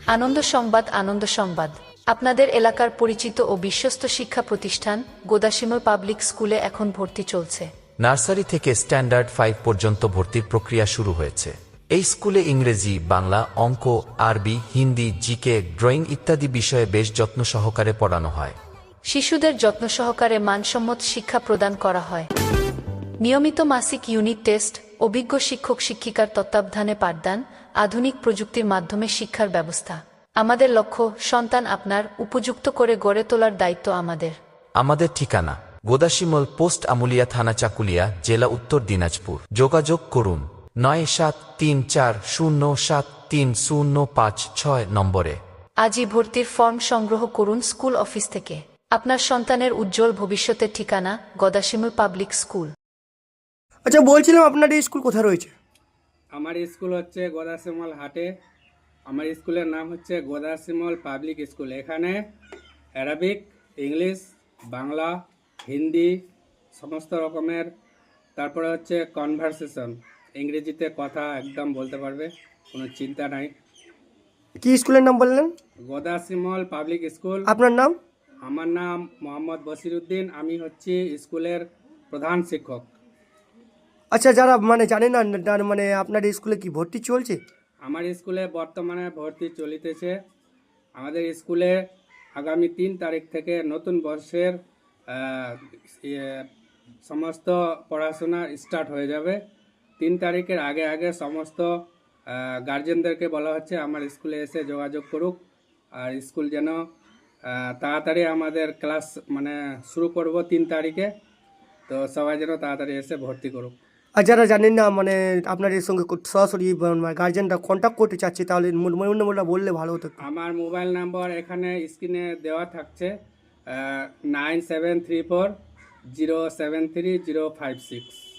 আনন্দ সংবাদ, আনন্দ সংবাদ। আপনাদের এলাকার পরিচিত ও বিশ্বস্ত শিক্ষা প্রতিষ্ঠান গোদাসিমল পাবলিক স্কুলে এখন ভর্তি চলছে। নার্সারি থেকে স্ট্যান্ডার্ড 5 পর্যন্ত ভর্তির প্রক্রিয়া শুরু হয়েছে। এই স্কুলে ইংরেজি, বাংলা, অঙ্ক, আরবি, হিন্দি, জিকে, ড্রয়িং ইত্যাদি বিষয়ে বেশ যত্ন সহকারে পড়ানো হয়। শিশুদের যত্ন সহকারে মানসম্মত শিক্ষা প্রদান করা হয়। নিয়মিত মাসিক ইউনিট টেস্ট, অভিজ্ঞ শিক্ষক শিক্ষিকার তত্ত্বাবধানে পাঠদান, আধুনিক প্রযুক্তির মাধ্যমে শিক্ষার ব্যবস্থা। আমাদের লক্ষ্য, সন্তান আপনার উপযুক্ত করে গড়ে তোলার দায়িত্ব আমাদের। আমাদের ঠিকানা গোদাসিমল, পোস্ট আমুলিয়া, থানা চাকুলিয়া, জেলা উত্তর দিনাজপুর। যোগাযোগ করুন 9734073056 নম্বরে। আজই ভর্তির ফর্ম সংগ্রহ করুন স্কুল অফিস থেকে। আপনার সন্তানের উজ্জ্বল ভবিষ্যতের ঠিকানা গোদাসিমল পাবলিক স্কুল। আচ্ছা, বলছিলাম আপনার এই স্কুল কোথায় রয়েছে? আমার স্কুল হচ্ছে গোদাসিমল হাটে। আমার স্কুলের নাম হচ্ছে গোদাসিমল পাবলিক স্কুল। এখানে অ্যারাবিক, ইংলিশ, বাংলা, হিন্দি সমস্ত রকমের, তারপরে হচ্ছে কনভারসেশন, ইংরেজিতে কথা একদম বলতে পারবে, কোনো চিন্তা নাই। কি স্কুলের নাম বললেন? Godasimal public school. আপনার নাম? আমার নাম মোহাম্মদ বসিরউদ্দিন। আমি হচ্ছি স্কুলের প্রধান শিক্ষক। আচ্ছা, যারা মানে জানে না, মানে আপনার এই স্কুলে কি ভর্তি চলছে? আমার স্কুলে বর্তমানে ভর্তি চলিতেছে। আমাদের স্কুলে আগামী 3 তারিখ থেকে নতুন বর্ষের সমস্ত পড়াশোনা স্টার্ট হয়ে যাবে। 3 তারিখের আগে আগে সমস্ত গার্জেনদেরকে বলা হচ্ছে আমার স্কুলে এসে যোগাযোগ করুক। আর স্কুল যেন তাড়াতাড়ি আমাদের ক্লাস মানে শুরু করব 3 তারিখে, তো সবাই যেন তাড়াতাড়ি এসে ভর্তি করুক। আর যারা জানেন না, মানে আপনার এর সঙ্গে সরাসরি গার্জেনরা কন্ট্যাক্ট করতে চাচ্ছে, তাহলে নম্বরটা বললে ভালো হতো। আমার মোবাইল নাম্বার এখানে স্ক্রিনে দেওয়া থাকছে, 9734073056।